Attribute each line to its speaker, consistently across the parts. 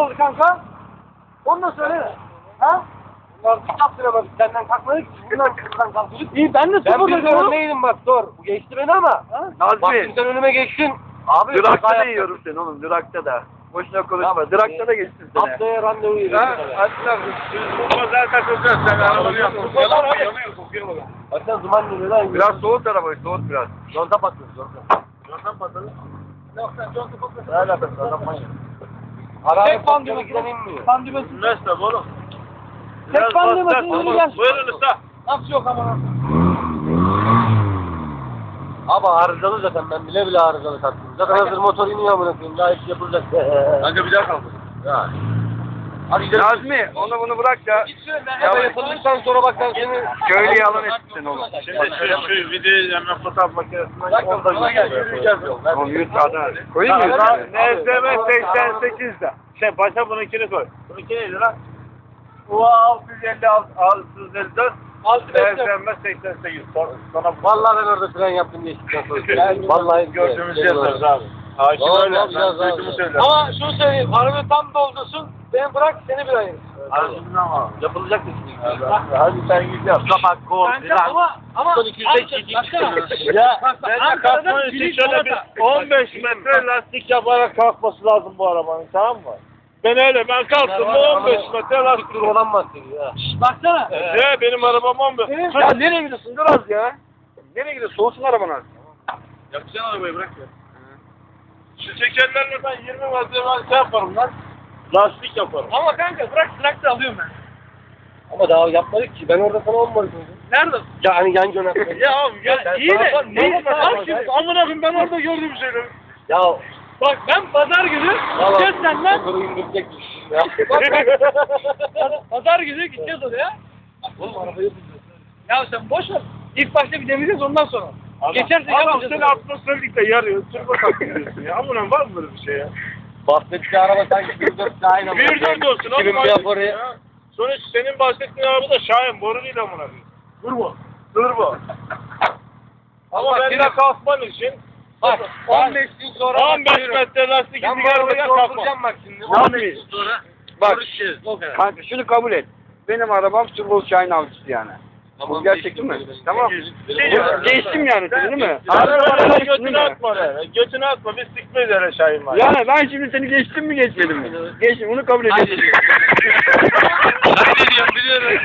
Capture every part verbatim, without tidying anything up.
Speaker 1: oldu kanka? Onu da söyle. Ha? Ulan bir yaptıramadık senden kalkmadık. Bundan kırdan kalktık. İyi ben de sıfır dedim. Ben neydim bak dur. Bu geçti beni ama. Nazmi. Bak sen önüme geçtin. Abi.
Speaker 2: Durakta da yiyorum seni oğlum durakta da. Boşuna konuşma. Durakta da geçtin seni.
Speaker 1: Haftaya randevu yiyoruz.
Speaker 2: Ha? Hatta bu zaten kokuyor. Sen arabanı yaptın. Yalan mı yanıyor kokuyor mu?
Speaker 1: Bak sen duman geliyor lan.
Speaker 2: Biraz soğut arabayı soğut biraz.
Speaker 1: Yolda patlıyoruz yolda.
Speaker 2: Yoldan patladı.
Speaker 1: Yok sen yolda patlıyorsun.
Speaker 2: Ne alakası var? Yapmayın.
Speaker 1: Tek pan düğmesine inmiyor. Pan düğmesine.
Speaker 2: Nasıl oğlum?
Speaker 1: Tek pan düğmesine ineceğiz.
Speaker 2: Buyurun usta.
Speaker 1: Nasıl yok ama? Abi arızalı zaten ben bile bile arızalı taktım. Zaten hazır motor iniyor amına koyayım. Daha hiç yapılacak.
Speaker 2: Kanka bir daha kaldı.
Speaker 1: Ya. Hadi gidelim.
Speaker 2: Nazmi onu bunu bırak da.
Speaker 1: Ya yapıldıktan sonra bak ben seni
Speaker 2: Köylü yalan etsin oğlum. Şimdi şu, şu videoyu hemen fotoğraf makinesinden onda
Speaker 1: yürüyeceğiz yol.
Speaker 2: Oğlum yürü hadi. Koyayım mı? N S M seksen sekizde. Şey başa bununkini koy. Bununki neydi lan? U altı yüz elli altı yüz elli dört. N S M seksen sekiz. Sonra
Speaker 1: Vallahi ben orada fren yaptım geçtikten sonra. Vallahi
Speaker 2: gördüğümüzü yazarız abi. Hakim
Speaker 1: Doğru,
Speaker 2: öyle.
Speaker 1: yapacağız
Speaker 2: Ben
Speaker 1: abi.
Speaker 2: duyduğumu söylerim.
Speaker 1: Ama şunu söyleyeyim, arabayı tam doldursun, beni bırak, seni bir ayırır.
Speaker 2: Arasından ama.
Speaker 1: Yapılacak mı şimdi?
Speaker 2: Hadi sen git yap. Kapak kol
Speaker 1: Kanka ama, ama...
Speaker 2: Son iki yüz beş iki
Speaker 1: Ya,
Speaker 2: ben de kalkman için şöyle bir on beş metre lastik yaparak kalkması lazım bu arabanın, tamam mı? Ben öyle, ben kalktım mı on beş metre lastik.
Speaker 1: olan bahsediyor ya. Baksana.
Speaker 2: Ne benim arabam on beş. Ya nereye gidiyorsun biraz ya? Nereye gidiyorsun? Soğusun arabanı artık. Yakacaksın arabayı bırak ya. Şu çekerlerle ben yirmi metre ben şey yaparım lan. Lastik yaparım.
Speaker 1: Ama kanka bırak trakta alıyorum ben. Ama daha yapmadık ki. Ben orada sana olmadım.
Speaker 2: Nerede?
Speaker 1: Ya hani yan yönet.
Speaker 2: Ya abi ya,
Speaker 1: Ya,
Speaker 2: iyi de.
Speaker 1: bak,
Speaker 2: Ne?
Speaker 1: bak,
Speaker 2: Bak
Speaker 1: bak,
Speaker 2: şimdi
Speaker 1: bak.
Speaker 2: amına koyayım ben orada gördüğüm şeyleri.
Speaker 1: Ya.
Speaker 3: Bak ben pazar günü gideceğiz senden.
Speaker 1: Motoru indirecekmiş ya.
Speaker 3: Bak bak. Pazar günü gideceğiz oraya.
Speaker 1: Oğlum arabayı
Speaker 3: Ya sen boş ver. İlk başta bir deneyeceğiz ondan sonra. Geçersek
Speaker 2: Adam
Speaker 3: yapacağız.
Speaker 2: seni atmosferlikle yarıyor. Turbo takıyorsun ya. Amına var mı böyle bir şey ya?
Speaker 1: bahsettiği araba sanki bir dört aynı. ama.
Speaker 2: Bir dört olsun oğlum.
Speaker 1: Kimin bir
Speaker 2: artık
Speaker 1: yaparı.
Speaker 2: ya. Sonuç senin bahsettiğin araba da Şahin. Boru değil amına koyayım. Turbo. Turbo. Ama
Speaker 1: Bak,
Speaker 2: ben de
Speaker 1: yine-
Speaker 2: kalkman için
Speaker 1: Bak on beş gün sonra
Speaker 2: on beş metre lastik
Speaker 1: ben
Speaker 2: izi
Speaker 1: bu arabayı
Speaker 2: gelmeden kalkmam.
Speaker 1: dolduracağım bak şimdi.
Speaker 4: Tamam.
Speaker 1: on beş gün sonra.
Speaker 4: Bak,
Speaker 1: görüşeceğiz. O kadar.
Speaker 4: kanka şunu kabul et. Benim arabam Turbo Şahin avcısı yani. Bu gerçek değil mi? Tamam.
Speaker 2: Şey ya,
Speaker 4: Geçtim yani seni değil mi?
Speaker 2: Abi
Speaker 4: Araba
Speaker 2: bana
Speaker 4: geçtim değil
Speaker 2: götünü
Speaker 4: mi?
Speaker 2: atma oraya. Götünü atma. Biz sikmeyiz öyle Şahin var.
Speaker 4: Yani ben şimdi seni geçtim mi geçmedim mi? Geçtim bunu kabul ediyorum.
Speaker 1: Hadi diyorum biliyorum.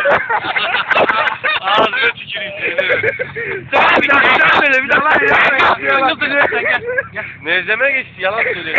Speaker 2: Ağzına tüküreyim seni.
Speaker 4: Sen bir daha söyle bir daha ya.
Speaker 1: Nezleme geçti yalan söylüyor.